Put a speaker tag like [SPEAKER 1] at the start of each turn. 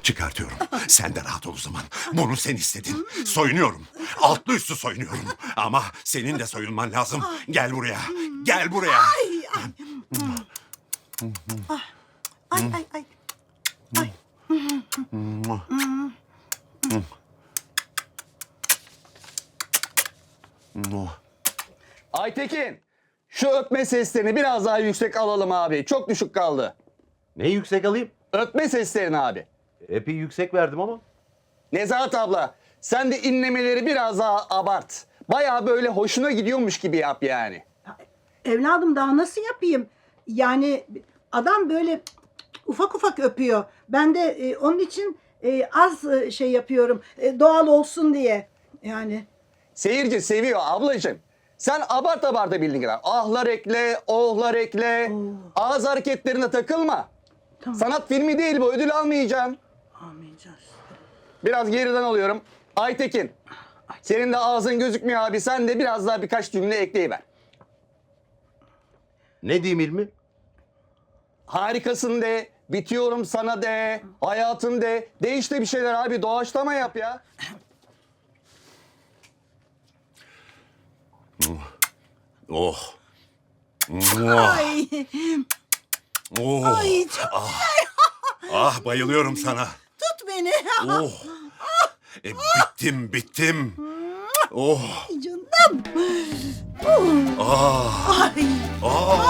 [SPEAKER 1] Çıkartıyorum. Sen de rahat ol o zaman. Bunu sen istedin. Soyunuyorum. Altlı üstü soyunuyorum. Ama senin de soyunman lazım. Gel buraya. Gel buraya.
[SPEAKER 2] Ay ay ay. Ay.
[SPEAKER 3] Aytekin, şu öpme seslerini biraz daha yüksek alalım abi. Çok düşük kaldı.
[SPEAKER 4] Ne yüksek alayım?
[SPEAKER 3] Öpme seslerini abi.
[SPEAKER 4] Epey yüksek verdim ama.
[SPEAKER 3] Nezahat abla, sen de inlemeleri biraz daha abart. Bayağı böyle hoşuna gidiyormuş gibi yap yani.
[SPEAKER 2] Evladım daha nasıl yapayım? Yani adam böyle ufak ufak öpüyor. Ben de onun için az şey yapıyorum. Doğal olsun diye. Yani
[SPEAKER 3] Seyirci seviyor ablacığım. Sen abart bildiğin kadar. Ahlar ekle, ohlar ekle. Ağız hareketlerine takılma.
[SPEAKER 2] Tamam.
[SPEAKER 3] Sanat filmi değil bu, ödül almayacaksın.
[SPEAKER 2] almayacağız.
[SPEAKER 3] Biraz geriden alıyorum. Aytekin, senin de ağzın gözükmüyor abi. Sen de biraz daha birkaç cümle ekleyiver.
[SPEAKER 4] Ne diyeyim İlmi?
[SPEAKER 3] Harikasın de, bitiyorum sana de, hayatım de. De işte bir şeyler abi, doğaçlama yap ya.
[SPEAKER 1] Oh.
[SPEAKER 2] Ay.
[SPEAKER 1] Oh.
[SPEAKER 2] Ay çok
[SPEAKER 1] Ah bayılıyorum sana.
[SPEAKER 2] tut beni.
[SPEAKER 1] Oh. Bittim. Oh.
[SPEAKER 2] Canım.
[SPEAKER 1] Ah.
[SPEAKER 2] Ay.
[SPEAKER 1] Ah.